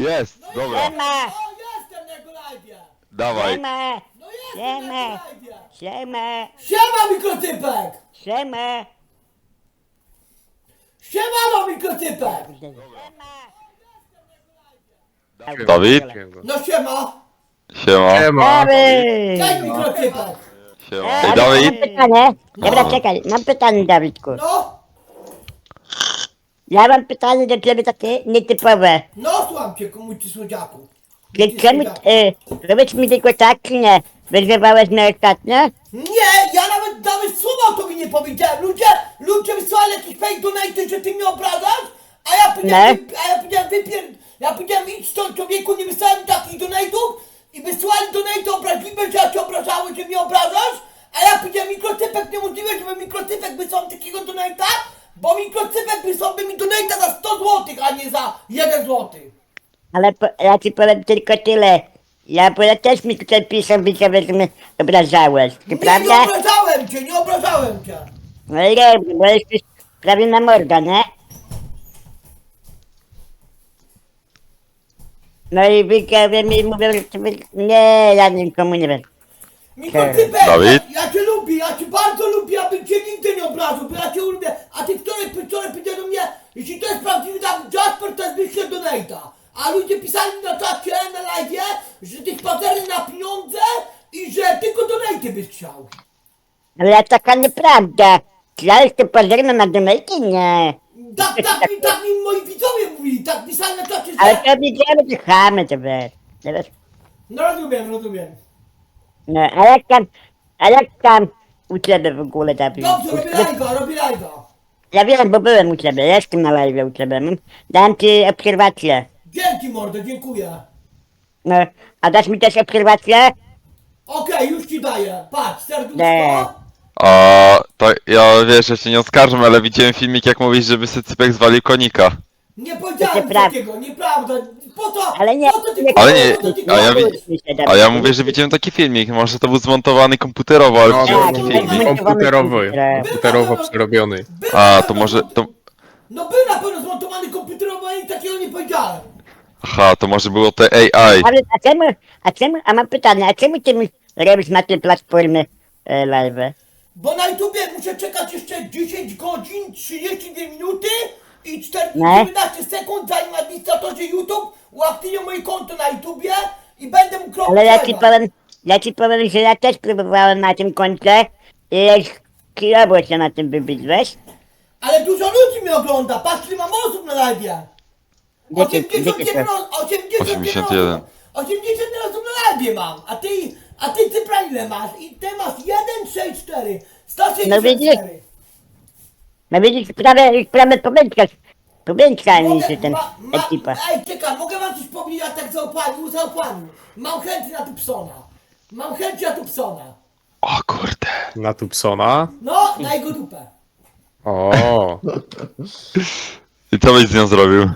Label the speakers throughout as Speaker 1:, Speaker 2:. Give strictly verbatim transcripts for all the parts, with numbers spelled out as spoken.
Speaker 1: Jest, dobra.
Speaker 2: Siema!
Speaker 3: O, jestem na jego live'ie!
Speaker 1: Dawaj.
Speaker 2: Siema!
Speaker 3: No jestem na
Speaker 2: Siema!
Speaker 3: jego live'ie!
Speaker 2: Siema!
Speaker 3: Siema, mikrocypek!
Speaker 2: Siema!
Speaker 3: Siemano, mikrocypek!
Speaker 1: Dawid?
Speaker 3: No siema!
Speaker 1: Siema.
Speaker 4: Siema.
Speaker 2: Dawid!
Speaker 3: Cześć, mikrocypek!
Speaker 1: Siema.
Speaker 2: Ej,
Speaker 1: Ej,
Speaker 2: Mam
Speaker 1: Dawid?
Speaker 2: pytanie. Dobra,
Speaker 3: No.
Speaker 2: czekaj, mam pytanie, Dawidku.
Speaker 3: No,
Speaker 2: Ja mam pytanie do ciebie takie nietypowe.
Speaker 3: no słucham cię, mój ty słodziaku.
Speaker 2: Czy czemu, y, powiedz mi tylko tak, czy nie? Wyzywałeś mnie ostatnio?
Speaker 3: Nie, ja nawet, nawet słowa o tobie nie powiedziałem. Ludzie, ludzie wysłali jakieś fake donate, że ty mnie obrażasz, a ja powiedziałem,
Speaker 2: No.
Speaker 3: wy, a ja powiedziałem, wypier... Ja powiedziałem, idź stąd, człowieku, nie wysłałem takich donate'ów i wysłali donate obraźliwe, że ja cię obrażałem, że mnie obrażasz, a ja powiedziałem, mikrocypek, niemożliwe, żeby mikrocypek wysłał takiego donate'a, bo mikrocypek wysłałby mi donate'a za sto złotych, a nie za jeden złoty.
Speaker 2: Ale po, ja ci powiem tylko tyle. Ja, bo ja też mi tutaj piszę, że mnie obrażałeś. Czy
Speaker 3: Nie, nie
Speaker 2: prawda?
Speaker 3: obrażałem cię, nie obrażałem cię.
Speaker 2: No i nie, bo jesteś prawie na morda, nie? No i wykawie mi mówią, że ty... wy- Nie, ja nikomu nie wiem.
Speaker 3: Mikrocypek,
Speaker 1: Dawid?
Speaker 3: ja, ja cię lubię, ja cię bardzo lubię, abym cię nigdy nie obraził, bo ja cię lubię. A ty wczoraj, wczoraj powiedział do mnie, jeśli to jest prawdziwy Dawid Jasper, to jest wyślę donate'a. A ludzie pisali na czacie, na live'ie, że ty spacerny na pieniądze i że tylko donate'y byś chciał.
Speaker 2: Ale taka nieprawda. Czy ja jestem pozorny na donajki? Nie.
Speaker 3: Tak, tak, mi, tak mi moi widzowie mówili, tak pisali na czacie,
Speaker 2: Ale
Speaker 3: że...
Speaker 2: to widziałem, że chamy to wiesz. To wiesz.
Speaker 3: No rozumiem, rozumiem.
Speaker 2: No, a jak tam, a jak tam u ciebie w ogóle, Dawid?
Speaker 3: Dobrze, robię live'a, robię live'a.
Speaker 2: Ja wiem, bo byłem u ciebie, jestem na live u ciebie. no. Dam ci obserwację.
Speaker 3: Dzięki mordo, dziękuję.
Speaker 2: No, a dasz mi też obserwację?
Speaker 3: Okej, już ci daję, patrz,
Speaker 2: Nie.
Speaker 3: serduszko.
Speaker 1: A to ja wiesz, ja się nie oskarżam, ale widziałem filmik, jak mówisz, żeby Sycypek zwalił konika.
Speaker 3: Nie
Speaker 2: To
Speaker 3: powiedziałem
Speaker 2: nieprawda.
Speaker 3: takiego, nieprawda. Po co?
Speaker 2: Ale nie,
Speaker 3: po co ty
Speaker 2: nie-
Speaker 1: Ale nie,
Speaker 3: po co ty
Speaker 1: a ja, wi-
Speaker 2: Kłóćmy się, Dawid.
Speaker 1: a ja mówię, że widziałem taki filmik, może to był zmontowany komputerowo, ale
Speaker 4: No,
Speaker 1: widziałem
Speaker 2: tak,
Speaker 1: taki
Speaker 2: tak,
Speaker 1: filmik.
Speaker 2: tak.
Speaker 4: komputerowy,
Speaker 2: Komputerowy.
Speaker 4: komputerowo przerobiony.
Speaker 3: Był
Speaker 1: A,
Speaker 3: na
Speaker 1: to
Speaker 3: pewno
Speaker 1: może,
Speaker 3: zmont-
Speaker 1: to...
Speaker 3: No był na pewno zmontowany komputerowo, ale nic takiego nie powiedziałem.
Speaker 1: Aha, to może było te A I.
Speaker 2: Ale a czemu, a czemu, a mam pytanie, a czemu ty mi robisz na tej platformie e, live?
Speaker 3: Bo na YouTubie muszę czekać jeszcze dziesięć godzin, trzydzieści dwie minuty i
Speaker 2: Nie.
Speaker 3: czternaście sekund, zanim administratorzy YouTube uaktywnią moje konto na YouTubie i będę mógł robić
Speaker 2: Ale ja ci
Speaker 3: live'a.
Speaker 2: powiem, ja ci powiem, że ja też próbowałem na tym koncie i kilowo się na tym wybić, wiesz?
Speaker 3: Ale dużo ludzi mnie ogląda, patrz ile mam osób na live'ie.
Speaker 2: Wiecie-
Speaker 3: osiemdziesiąt jeden
Speaker 2: wiecie co?
Speaker 3: os- osiemdziesiąt jeden
Speaker 1: osiemdziesiąt jeden.
Speaker 3: osób. osiemdziesiąt jeden osób na live'ie mam, a ty, a ty cyfra ile masz? I ty masz jeden, sześć, cztery. sto
Speaker 2: No widzisz?
Speaker 3: sześćdziesiąt cztery.
Speaker 2: No widzisz, prawie, prawie pomiędźka, pomiędźka mi
Speaker 3: Mogę-
Speaker 2: się ten
Speaker 3: ma- ma-
Speaker 2: ekipa.
Speaker 3: Ej, czekaj, mogę wam coś powiedzieć, ja tak zaopłanił, zaopłanił. Mam chęć na Tupsona. Mam chęć na Tupsona.
Speaker 1: O kurde.
Speaker 4: Na Tupsona.
Speaker 3: No, na jego dupę.
Speaker 4: O,
Speaker 1: I co byś z nią zrobił?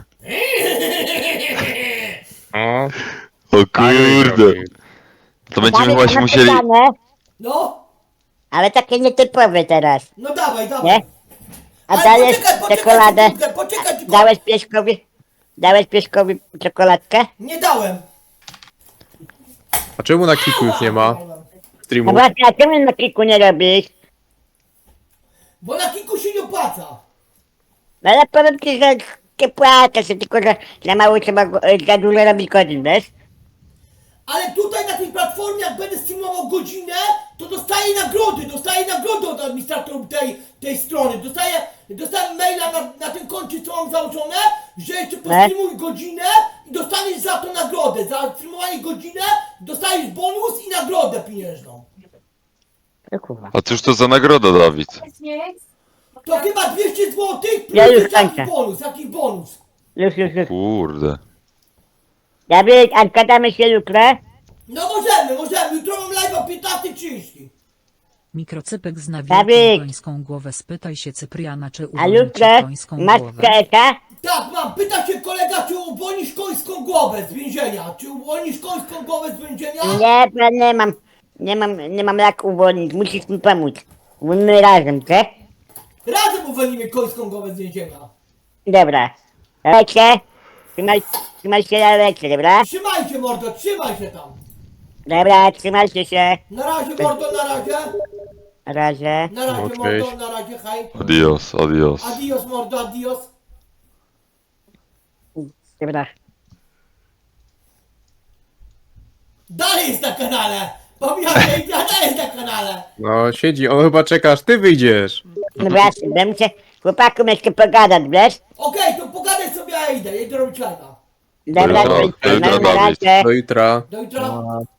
Speaker 4: o.
Speaker 1: O kurde. To będziemy
Speaker 2: Dawid,
Speaker 1: właśnie
Speaker 2: mam
Speaker 1: musieli...
Speaker 2: pytanie,
Speaker 3: No,
Speaker 2: ale takie nietypowe teraz,
Speaker 3: no dawaj, dawaj.
Speaker 2: nie? A
Speaker 3: Ale
Speaker 2: dajesz
Speaker 3: poczekaj, poczekaj
Speaker 2: czekoladę,
Speaker 3: sekundkę, poczekaj tylko.
Speaker 2: dałeś pieskowi, dałeś pieskowi czekoladkę?
Speaker 3: Nie dałem.
Speaker 4: A czemu na Kiku już nie ma
Speaker 2: No
Speaker 4: streamu?
Speaker 2: właśnie, a czemu na kilku nie robisz?
Speaker 3: Bo na kilku się nie opłaca.
Speaker 2: No ale powiem ci, że nie płacę się, tylko że za mało trzeba, go- e, za dużo robić godzin, wiesz?
Speaker 3: Ale tutaj na tej platformie, jak będę streamował godzinę, to dostaję nagrody, dostaję nagrody od administratorów tej, tej strony. Dostaję, dostaję maila na, na tym koncie, co mam założone, że jeszcze postreamuj godzinę i dostaniesz za to nagrodę. Za streamowanie godzinę dostajesz bonus i nagrodę pieniężną.
Speaker 2: No kurwa.
Speaker 1: A cóż to za nagroda, Dawid?
Speaker 3: To chyba dwieście złotych plus
Speaker 2: Ja już
Speaker 3: jeszcze jakiś
Speaker 2: kończę.
Speaker 3: bonus, jakiś bonus.
Speaker 2: Już, już, już.
Speaker 1: Kurde.
Speaker 2: Dawid, a gadamy się jutro?
Speaker 3: No możemy, możemy, jutro mam live o piętnasta trzydzieści.
Speaker 5: Mikrocypek zna
Speaker 2: Dawid.
Speaker 5: wielką końską głowę. Spytaj się Cypriana, czy
Speaker 2: A
Speaker 5: uwolni ci
Speaker 2: jutro
Speaker 5: końską
Speaker 2: masz
Speaker 5: głowę.
Speaker 2: czeka?
Speaker 3: Tak, mam. Pyta się kolega, czy uwolnisz końską głowę z więzienia? Czy uwolnisz końską głowę z więzienia?
Speaker 2: Nie, bo nie mam, nie mam, nie mam jak uwolnić, musisz mi pomóc. My razem, co?
Speaker 3: Razem uwolnimy końską głowę z więzienia.
Speaker 2: Dobra. Lecie, Trzymaj, trzymaj się, ja lecę, dobra?
Speaker 3: Trzymajcie mordo, trzymaj się tam.
Speaker 2: Dobra, trzymajcie się.
Speaker 3: Na razie mordo, na razie.
Speaker 2: Na razie.
Speaker 3: Na razie
Speaker 4: No, cześć.
Speaker 3: mordo, na razie, hej.
Speaker 1: Adios, adios.
Speaker 3: Adios mordo, adios.
Speaker 2: Dobra.
Speaker 3: Dalej jest na kanale. Pamiętaj, dalej jest na kanale.
Speaker 4: No, siedzi, on chyba czeka, aż ty wyjdziesz.
Speaker 2: No właśnie, będę się chłopakom jeszcze pogadać, wiesz?
Speaker 3: Okej, to pogadaj sobie, ja idę, ja idę robić live'a.
Speaker 2: Dobra,
Speaker 1: Jutro,
Speaker 2: to
Speaker 1: jutro,
Speaker 2: na
Speaker 1: Dawid.
Speaker 2: razie.
Speaker 4: Do jutra.
Speaker 3: Do jutra.